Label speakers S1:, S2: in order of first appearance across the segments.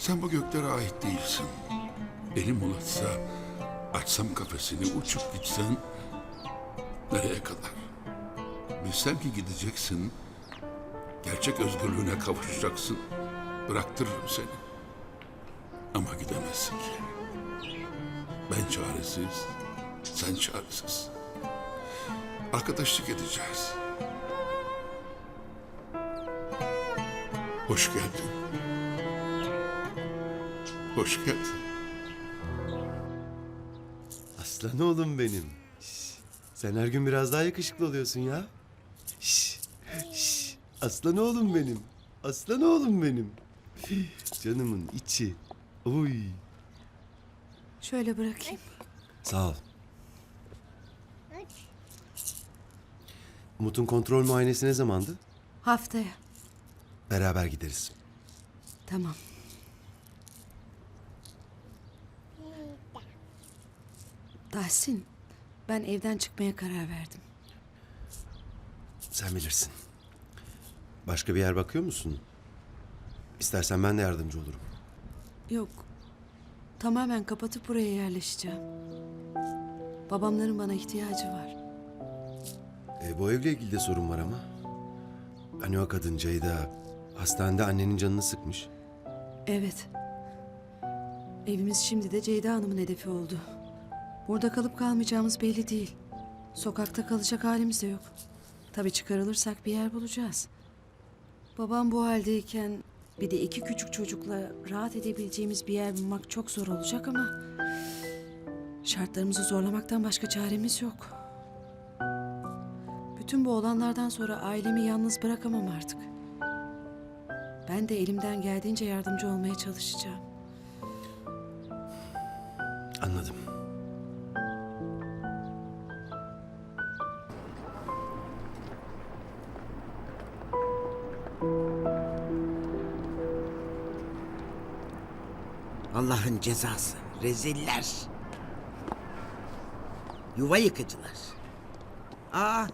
S1: Sen bu göklere ait değilsin. Elim ulaşsa, açsam kafesini, uçup gitsen nereye kadar? Bilsem ki gideceksin, gerçek özgürlüğüne kavuşacaksın. Bıraktırırım seni. Ama gidemezsin ki. Ben çaresiz, sen çaresiz. Arkadaşlık edeceğiz. Hoş geldin. Hoş geldin.
S2: Aslan oğlum benim. Şş, sen her gün biraz daha yakışıklı oluyorsun ya. Şş, şş, aslan oğlum benim. Aslan oğlum benim. Canımın içi. Oy.
S3: Şöyle bırakayım.
S2: Sağ ol. Umut'un kontrol muayenesi ne zamandı?
S3: Haftaya.
S2: Beraber gideriz.
S3: Tamam. Tahsin, ben evden çıkmaya karar verdim.
S2: Sen bilirsin. Başka bir yer bakıyor musun? İstersen ben de yardımcı olurum.
S3: Yok, tamamen kapatıp buraya yerleşeceğim. Babamların bana ihtiyacı var.
S2: Bu evle ilgili de sorun var ama. Hani o kadın Ceyda hastanede annenin canını sıkmış.
S3: Evet. Evimiz şimdi de Ceyda Hanım'ın hedefi oldu. Burada kalıp kalmayacağımız belli değil. Sokakta kalacak halimiz de yok. Tabii çıkarılırsak bir yer bulacağız. Babam bu haldeyken bir de 2 küçük çocukla rahat edebileceğimiz bir yer bulmak çok zor olacak ama şartlarımızı zorlamaktan başka çaremiz yok. Bütün bu olanlardan sonra ailemi yalnız bırakamam artık. Ben de elimden geldiğince yardımcı olmaya çalışacağım.
S2: Anladım.
S4: Allah'ın cezası. Reziller. Yuva yıkıcılar. Aa.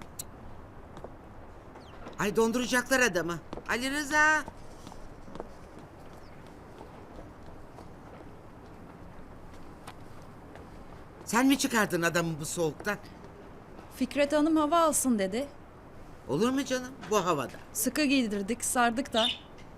S4: Ay donduracaklar adamı. Ali Rıza. Sen mi çıkardın adamı bu soğuktan?
S5: Fikret Hanım hava alsın dedi.
S4: Olur mu canım bu havada?
S5: Sıkı giydirdik, sardık da.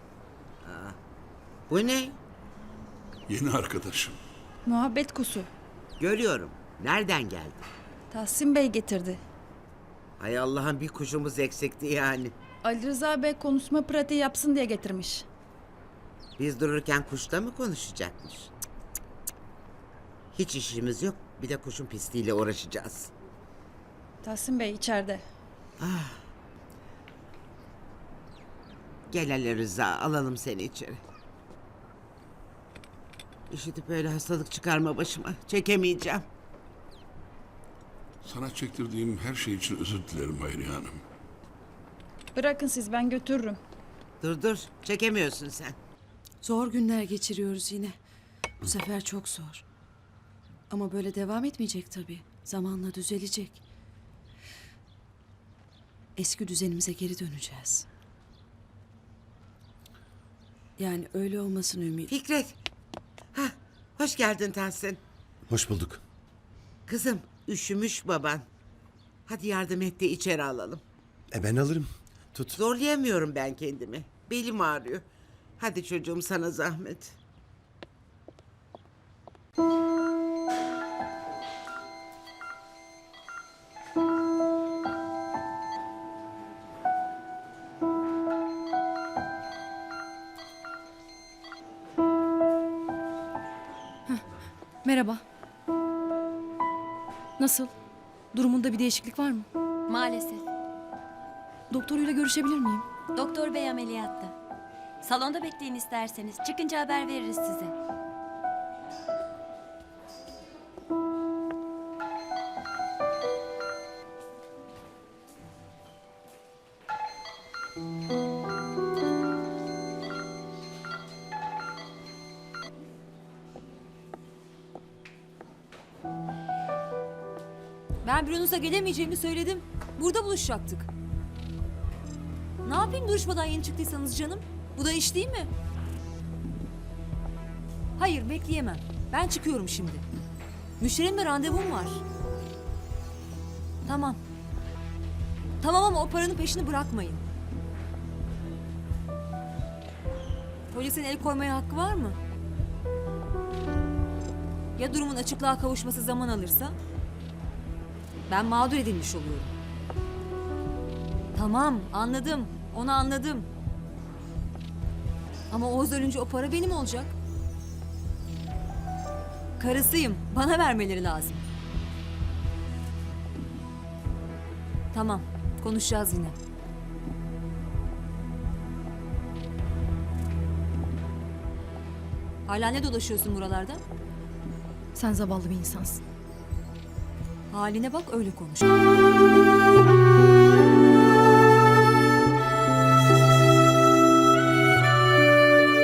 S4: Bu ne?
S1: Yeni arkadaşım.
S5: Muhabbet kusu.
S4: Görüyorum. Nereden geldi?
S5: Tahsin Bey getirdi.
S4: Hay Allah'ın bir kuşumuz eksikti yani.
S5: Ali Rıza Bey konuşma pratiği yapsın diye getirmiş.
S4: Biz dururken kuşla mı konuşacakmış? Cık, cık, cık. Hiç işimiz yok. Bir de kuşun pisliğiyle uğraşacağız.
S5: Tahsin Bey içeride.
S4: Gel Ali Rıza, alalım seni içeri. İşitip öyle hastalık çıkarma başıma. Çekemeyeceğim.
S1: Sana çektirdiğim her şey için özür dilerim Hayriye Hanım.
S5: Bırakın siz, ben götürürüm.
S4: Dur, çekemiyorsun sen.
S3: Zor günler geçiriyoruz yine. Bu sefer çok zor. Ama böyle devam etmeyecek tabii. Zamanla düzelecek. Eski düzenimize geri döneceğiz. Yani öyle olmasını ümit.
S4: Fikret. Hah, hoş geldin Tahsin.
S2: Hoş bulduk.
S4: Kızım, üşümüş baban. Hadi yardım et de içeri alalım.
S2: Ben alırım. Tut.
S4: Zorlayamıyorum ben kendimi. Belim ağrıyor. Hadi çocuğum sana zahmet.
S6: Merhaba. Nasıl? Durumunda bir değişiklik var mı?
S7: Maalesef.
S6: Doktoruyla görüşebilir miyim?
S7: Doktor bey ameliyatta. Salonda bekleyin isterseniz. Çıkınca haber veririz size.
S8: Ben büronuza gelemeyeceğimi söyledim. Burada buluşacaktık. Ne yapayım duruşmadan yeni çıktıysanız canım? Bu da iş değil mi? Hayır, bekleyemem. Ben çıkıyorum şimdi. Müşterimle randevum var. Tamam. Tamam ama o paranın peşini bırakmayın. Polisin el koymaya hakkı var mı? Ya durumun açıklığa kavuşması zaman alırsa? Ben mağdur edilmiş oluyorum. Tamam, anladım. Onu anladım. Ama Oğuz ölünce o para benim olacak. Karısıyım. Bana vermeleri lazım. Tamam, konuşacağız yine. Hala ne dolaşıyorsun buralarda?
S6: Sen zavallı bir insansın.
S8: Haline bak, öyle konuş.